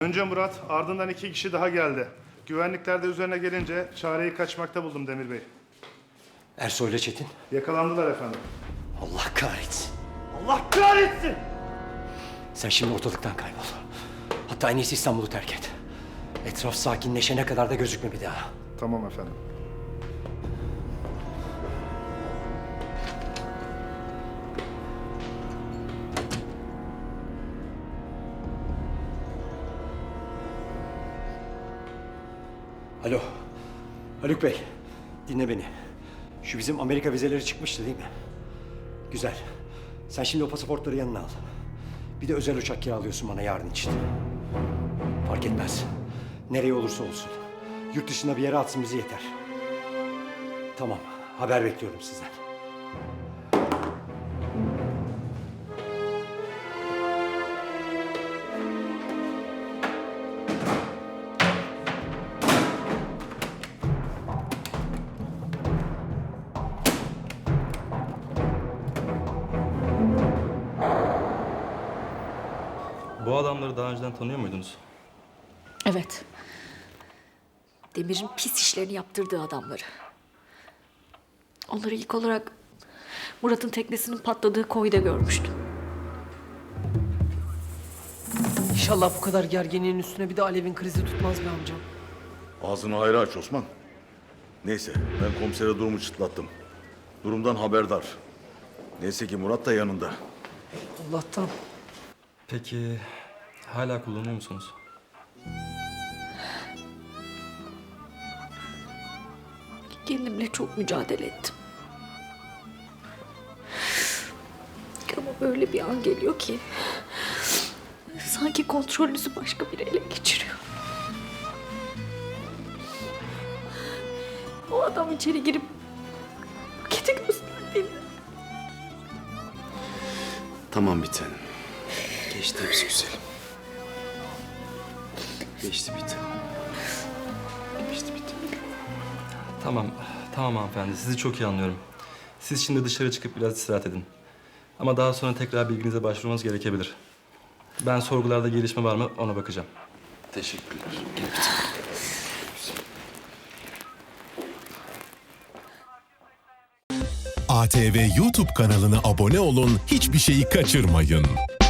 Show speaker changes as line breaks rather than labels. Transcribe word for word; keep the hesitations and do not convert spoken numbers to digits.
Önce Murat, ardından iki kişi daha geldi. Güvenlikler de üzerine gelince çareyi kaçmakta buldum Demir Bey.
Ersoy'la Çetin.
Yakalandılar efendim.
Allah kahretsin.
Allah kahretsin!
Sen şimdi ortalıktan kaybol. Hatta en iyisi İstanbul'u terk et. Etraf sakinleşene kadar da gözükme bir daha.
Tamam efendim.
Alo. Haluk Bey. Dinle beni. Şu bizim Amerika vizeleri çıkmıştı değil mi? Güzel. Sen şimdi o pasaportları yanına al. Bir de özel uçak kiralıyorsun bana yarın için. Fark etmez. Nereye olursa olsun. Yurt dışına bir yere atsın bizi yeter. Tamam. Haber bekliyorum sizden.
Bu adamları daha önceden tanıyor muydunuz?
Evet. Demir'in pis işlerini yaptırdığı adamları. Onları ilk olarak Murat'ın teknesinin patladığı koyda görmüştüm.
İnşallah bu kadar gerginliğin üstüne bir de Alev'in krizi tutmaz be amcam.
Ağzını hayra aç Osman. Neyse ben komisere durumu çıtlattım. Durumdan haberdar. Neyse ki Murat da yanında.
Allah'tan.
Peki hala kullanıyor musunuz?
Kendimle çok mücadele ettim. Ama böyle bir an geliyor ki... sanki kontrolünüzü başka biri ele geçiriyor. O adam içeri girip... paketi gösterdiğinde...
Tamam bir tanem. Geçti hepsi güzelim. Geçti bir tanem. Geçti bir tanem.
Tamam, tamam hanımefendi. Sizi çok iyi anlıyorum. Siz şimdi dışarı çıkıp biraz istirahat edin. Ama daha sonra tekrar bilginize başvurmanız gerekebilir. Ben sorgularda gelişme var mı ona bakacağım.
Teşekkürler. Gel bir tanem.
A T V YouTube kanalına abone olun, hiçbir şeyi kaçırmayın.